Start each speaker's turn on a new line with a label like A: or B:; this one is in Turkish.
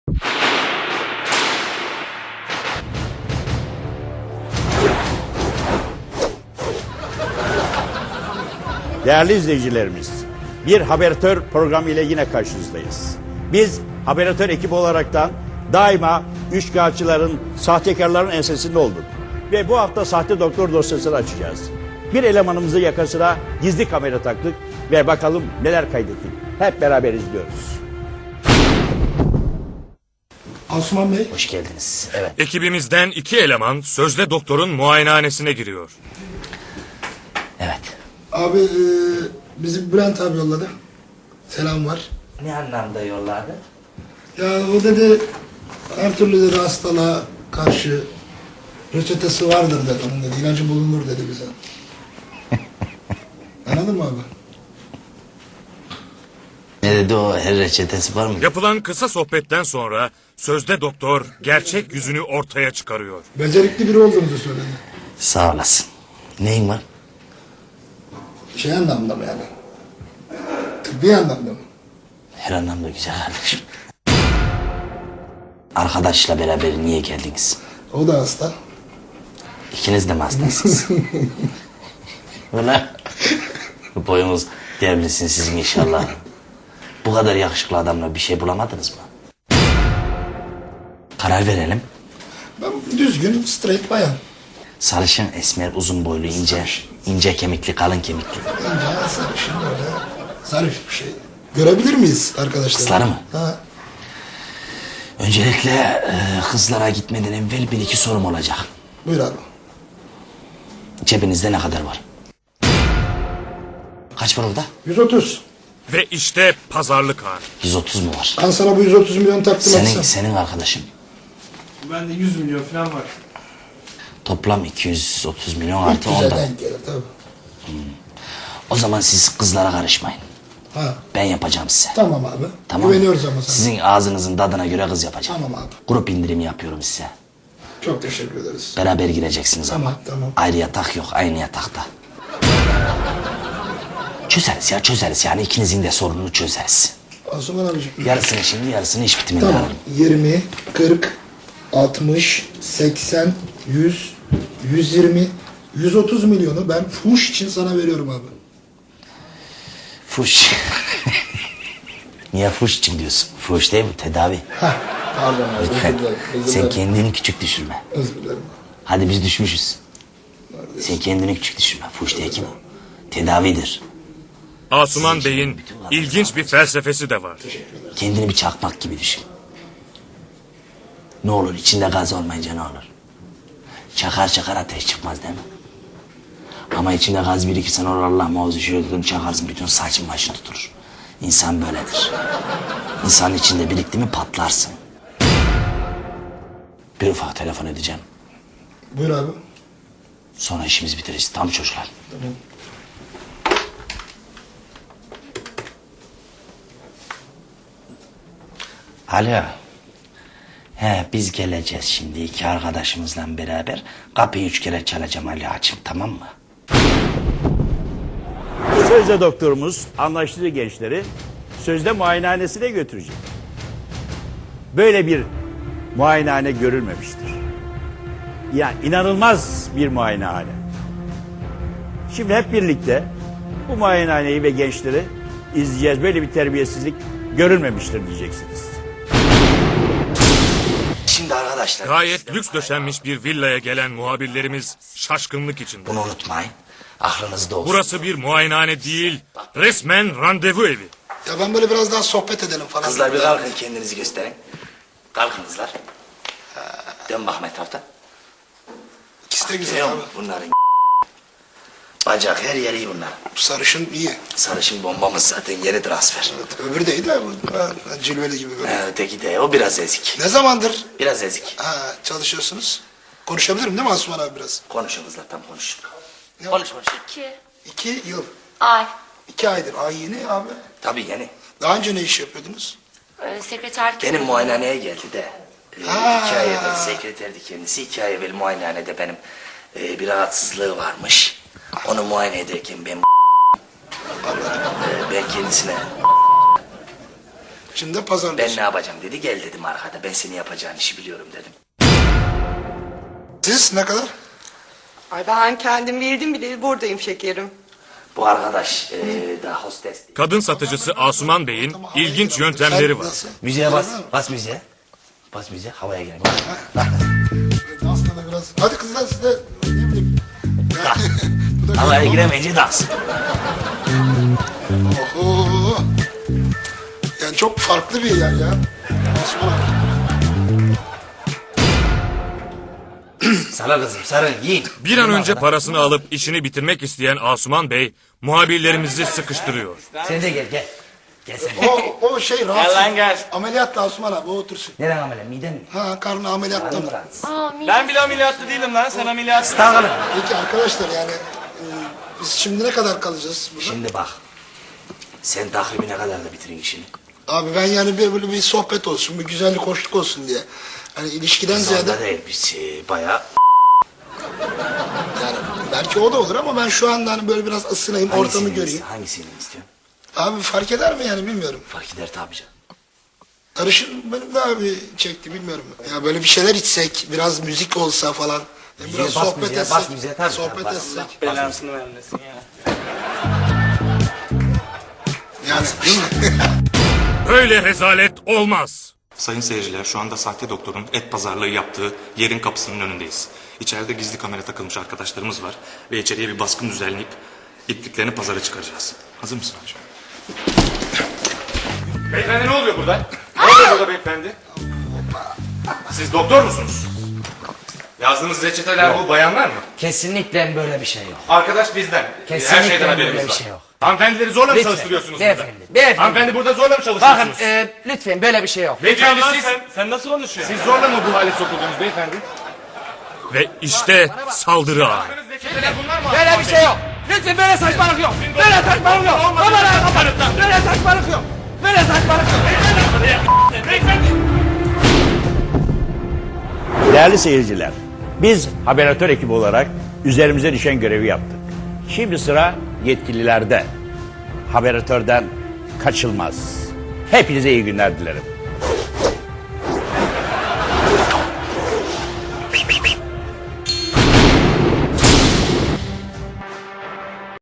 A: Değerli izleyicilerimiz, bir Haberatör programı ile yine karşınızdayız. Biz Haberatör ekibi olaraktan daima üçkağıtçıların, sahtekarların ensesinde olduk. Ve bu hafta sahte doktor dosyasını açacağız. Bir elemanımızı yakasına gizli kamera taktık ve bakalım neler kaydettik. Hep beraber izliyoruz.
B: Asuman Bey.
C: Hoş geldiniz. Evet.
D: Ekibimizden 2 eleman sözde doktorun muayenehanesine giriyor.
C: Evet.
B: Abi bizi Bülent abi yolladı. Selam var.
C: Ne anlamda yolladı?
B: Ya o dedi her türlü dedi hastalığa karşı reçetesi vardır dedi. Onun dedi ilacı bulunur dedi bize. Anladın mı abi?
C: Ne dedi o, her reçetesi var mı?
D: Yapılan kısa sohbetten sonra sözde doktor gerçek yüzünü ortaya çıkarıyor.
B: Becerikli biri olduğunuzu söyledi.
C: Sağ olasın. Neyin var?
B: Şey anlamda mı yani? Tıbbi anlamda mı?
C: Her anlamda güzel kardeşim. Arkadaşla beraber niye geldiniz?
B: O da hasta.
C: İkiniz de mi hastasınız? Ulan. Boyunuz devrilsin sizin inşallah. Bu kadar yakışıklı adamla bir şey bulamadınız mı? Karar verelim.
B: Ben düzgün, straight bayan.
C: Sarışın, esmer, uzun boylu, ince kemikli, kalın kemikli.
B: İnce, sarışın böyle zarif bir şey. Görebilir miyiz arkadaşlar?
C: Kızları mı?
B: Ha.
C: Öncelikle kızlara gitmeden evvel bir iki sorum olacak.
B: Buyur abi.
C: Cebinizde ne kadar var? Kaç var orada?
B: 130.
D: Ve işte pazarlık anı.
C: 130 mu var?
B: Ben sana bu 130 milyon takdim etsem.
C: Senin arkadaşın.
E: Bende 100 milyon falan var.
C: Toplam 230 milyon artı
B: 300'e
C: 10'da.
B: denk gelir tabii.
C: O zaman siz kızlara karışmayın.
B: Ha.
C: Ben yapacağım size.
B: Tamam abi.
C: Tamam.
B: Güveniyoruz ama sana.
C: Sizin ağzınızın tadına göre kız yapacağım.
B: Tamam abi.
C: Grup indirimi yapıyorum size.
B: Çok teşekkür ederiz.
C: Beraber gireceksiniz ama.
B: Tamam.
C: Ayrı yatak yok, aynı yatakta. Çözeriz yani ikinizin de sorununu çözeriz.
B: Asuman abiciğim.
C: Yarısını şimdi, yarısını iş bitiminde
B: Tamam.
C: alırım.
B: 20, 40, 60, 80, 100, 120, 130 milyonu ben fuş için sana veriyorum abi.
C: Fuş. Niye fuş için diyorsun? Fuş değil mi? Tedavi.
B: Hah. Pardon abi.
C: Lütfen.
B: Özür dilerim. Özür
C: Sen
B: dilerim.
C: kendini küçük düşürme.
B: Özür dilerim.
C: Hadi biz düşmüşüz. Sen kendini küçük düşürme. Fuş değil ki bu. Tedavidir.
D: Asuman Bey'in ilginç bir felsefesi de var.
C: Kendini bir çakmak gibi düşün. Ne olur içinde gaz olmayınca ne olur? Çakar ateş çıkmaz değil mi? Ama içinde gaz birikirsen olur Allah muhafaza şöyle tutun çakarsın bütün saçın başını tuturur. İnsan böyledir. İnsanın içinde birikti mi patlarsın. Bir ufak telefon edeceğim.
B: Buyur abi.
C: Sonra işimizi bitiririz. Tamam çocuklar.
B: Tamam.
C: Alo. Biz geleceğiz şimdi iki arkadaşımızla beraber. Kapıyı 3 kere çalacağım Ali açım tamam mı?
A: Sözde doktorumuz anlaştığı gençleri sözde muayenehanesine götürecek. Böyle bir muayenehane görülmemiştir. Yani inanılmaz bir muayenehane. Şimdi hep birlikte bu muayenehaneyi ve gençleri izleyeceğiz. Böyle bir terbiyesizlik görülmemiştir diyeceksiniz.
C: Şimdi arkadaşlar...
D: Gayet lüks döşenmiş bir villaya gelen muhabirlerimiz şaşkınlık içinde.
C: Bunu unutmayın. Aklınızda olsun.
D: Burası bir muayenehane değil, resmen randevu evi.
B: Ya ben böyle biraz daha sohbet edelim falan.
C: Kızlar bir kalkın kendinizi gösterin. Kalkın kızlar. Dön bakma etrafta.
B: İkisi de güzel
C: Görüyor
B: abi.
C: musun? Bunların bacak her yeri iyi bunlar.
B: Sarışın iyi.
C: Sarışın bombamız zaten yeni transfer.
B: Evet, öbürü de iyi de bu cilveli gibi böyle.
C: Öteki de o biraz ezik.
B: Ne zamandır
C: Biraz ezik.
B: çalışıyorsunuz? Konuşabilirim değil mi Asuman abi biraz?
C: Konuşun kızlar tam konuşun.
B: Ne
C: Konuş.
B: 2 yıl.
F: Ay.
B: 2 aydır. Ay yeni abi.
C: Tabii yeni.
B: Daha önce ne iş yapıyordunuz?
F: Sekreterlik.
C: Benim muayenehaneye geldi de. 2
B: Ha.
C: ay evvel sekreterdi kendisi. 2 ay evvel muayenehanede benim bir rahatsızlığı varmış. Onu muayene ederken ben kendisine
B: Şimdi de
C: Ben
B: pazarlıyorsun.
C: ne yapacağım dedi. Gel dedim arkada. Ben seni yapacağın işi biliyorum dedim.
B: Siz ne kadar?
F: Ay ben kendim bildim bile buradayım şekerim.
C: Bu arkadaş da hostes.
D: Kadın satıcısı Asuman Bey'in ilginç yöntemleri var.
B: Nasıl?
C: Müziğe bas. Bas müziğe. Bas müziğe. Havaya girelim.
B: Dansla da biraz. Hadi kızlar siz de ne bileyim. Bu da
C: Havaya
B: güzel.
C: giremeyince dans.
B: Oho. Yani çok farklı bir yer ya. Osman abi.
C: Sana kızım sarın yiyin.
D: Bir an önce parasını alıp işini bitirmek isteyen Asuman Bey muhabirlerimizi sıkıştırıyor.
C: Sen de gel gel. Gel sen.
B: O şey rahatsız.
E: Gel lan gel.
B: Ameliyatla Osman abi o otursun.
C: Neren amele miden mi?
B: Ha karnı ameliyatta
C: Karnım
B: mı?
C: rahatsız.
E: Ben bile ameliyatlı değilim lan. Sen ameliyatsın.
C: Takılın.
B: Peki arkadaşlar yani biz şimdi ne kadar kalacağız burada?
C: Şimdi bak. Sen takvimine kadar da bitirin işini.
B: Abi ben yani böyle bir sohbet olsun, bir güzellik, hoşluk olsun diye. Hani ilişkiden ziyade
C: Zorda değil biz bayağı.
B: yani belki o da olur ama ben şu anda hani böyle biraz ısınayım, ortamı göreyim.
C: Hangisini istiyorsun?
B: Abi fark eder mi yani bilmiyorum.
C: Fark eder tabii canım.
B: Karışın benim de abi çekti bilmiyorum. Ya böyle bir şeyler içsek, biraz müzik olsa falan.
C: Müziğe
B: Biraz
C: bas
B: sohbet
C: müziğe,
B: etsek.
C: bas müziğe, tabii,
B: sohbet
C: bas.
B: etsek.
E: Belasını vermesin ya.
B: Yani değil mi?
D: Böyle rezalet olmaz.
G: Sayın seyirciler, şu anda sahte doktorun et pazarlığı yaptığı yerin kapısının önündeyiz. İçeride gizli kamera takılmış arkadaşlarımız var ve içeriye bir baskın düzenleyip ipliklerini pazara çıkaracağız. Hazır mısın abiciğim?
D: Beyefendi ne oluyor burada? Ne oluyor burada beyefendi? Siz doktor musunuz? Yazdığınız reçeteler bu bayanlar mı?
C: Kesinlikle böyle bir şey yok.
D: Arkadaş bizden.
C: Kesinlikle
D: Her şeyden
C: böyle
D: haberimiz
C: bir
D: var.
C: şey yok.
D: Hanımefendileri zorla mı
C: Lütfen,
D: çalıştırıyorsunuz
C: beyefendi,
D: burada?
C: beyefendi.
D: Hanımefendi burada zorla mı
C: Bakın
D: çalıştırıyorsunuz?
C: lütfen böyle bir şey yok.
D: Beyefendi
E: Lan
D: siz,
E: sen nasıl konuşuyorsun?
D: siz zorla mı bu hale sokuldunuz beyefendi? Ve işte saldırı anı. Reçeteler bunlar mı?
C: Böyle bir şey yok. Lütfen böyle saçmalık yok. Böyle saçmalık yok. Kamerayı kapatın. Böyle saçmalık yok. Böyle saçmalık yok.
A: Değerli seyirciler, biz Haberatör ekibi olarak üzerimize düşen görevi yaptık. Şimdi sıra yetkililerde. Haberatörden kaçılmaz. Hepinize iyi günler dilerim.